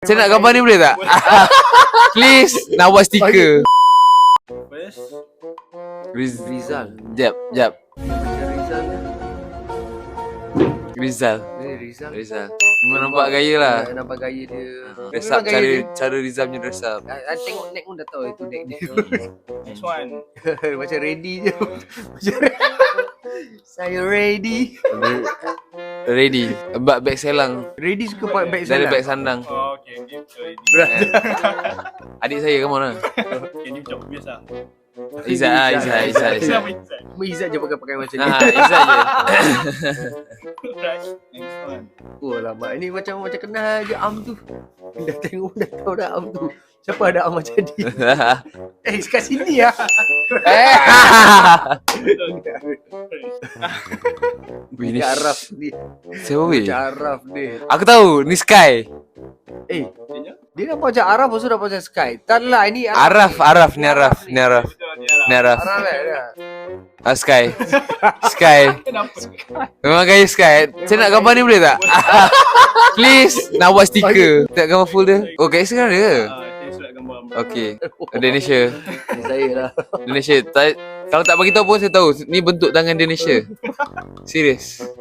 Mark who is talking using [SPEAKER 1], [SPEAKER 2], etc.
[SPEAKER 1] Saya nak gambar ni boleh tak? Please, nak buat stiker.
[SPEAKER 2] Rizal.
[SPEAKER 1] Jap.
[SPEAKER 2] Rizal.
[SPEAKER 1] Rizal.
[SPEAKER 2] Rizal.
[SPEAKER 1] Rizal. Memang nampak gaya lah.
[SPEAKER 2] Nampak gaya dia.
[SPEAKER 1] Dress up,
[SPEAKER 2] Memang gaya dia.
[SPEAKER 1] cara Rizal punya dress up.
[SPEAKER 2] Tengok neck pun dah tahu itu neck dia.
[SPEAKER 3] Next one.
[SPEAKER 2] Macam ready je. Saya ready.
[SPEAKER 1] Ready. Bag selang.
[SPEAKER 2] Ready suka pakai bag
[SPEAKER 1] Dari
[SPEAKER 2] sana.
[SPEAKER 1] bag sandang.
[SPEAKER 3] Oh, okay. Ni macam ready.
[SPEAKER 1] Adik saya, come on lah.
[SPEAKER 3] Okay, ni macam biasa.
[SPEAKER 1] Izzat lah, Izzat.
[SPEAKER 3] Siapa Izzat?
[SPEAKER 2] Izzat je pakai macam ni.
[SPEAKER 1] Izzat je.
[SPEAKER 3] Right. Next one.
[SPEAKER 2] Oh lama. Ini macam kenal je Am tu. Dah tengok dah tahu dah Am tu. Siapa ada Am macam ni? Kat sini lah.
[SPEAKER 1] Wih, ni
[SPEAKER 2] Araf ni.
[SPEAKER 1] siapa weh?
[SPEAKER 2] Araf ni.
[SPEAKER 1] Aku tahu, ni Sky.
[SPEAKER 2] Dia nampak macam Araf also nampak macam Sky. Tak lah ini
[SPEAKER 1] Araf.
[SPEAKER 3] Betul, dia lah.
[SPEAKER 1] Ni Araf.
[SPEAKER 2] Araf lah.
[SPEAKER 1] Sky.
[SPEAKER 3] Kenapa?
[SPEAKER 1] Memang gaya Sky. Saya nak gambar ni boleh tak? Please, nak buat stiker. Tak gambar full dia. Oh, kat Instagram dia ke?
[SPEAKER 3] Saya surat gambar.
[SPEAKER 1] Okay. Indonesia.
[SPEAKER 2] Saya lah.
[SPEAKER 1] Indonesia. Kalau tak bagi tahu pun saya tahu. Ni bentuk tangan Indonesia. Serius.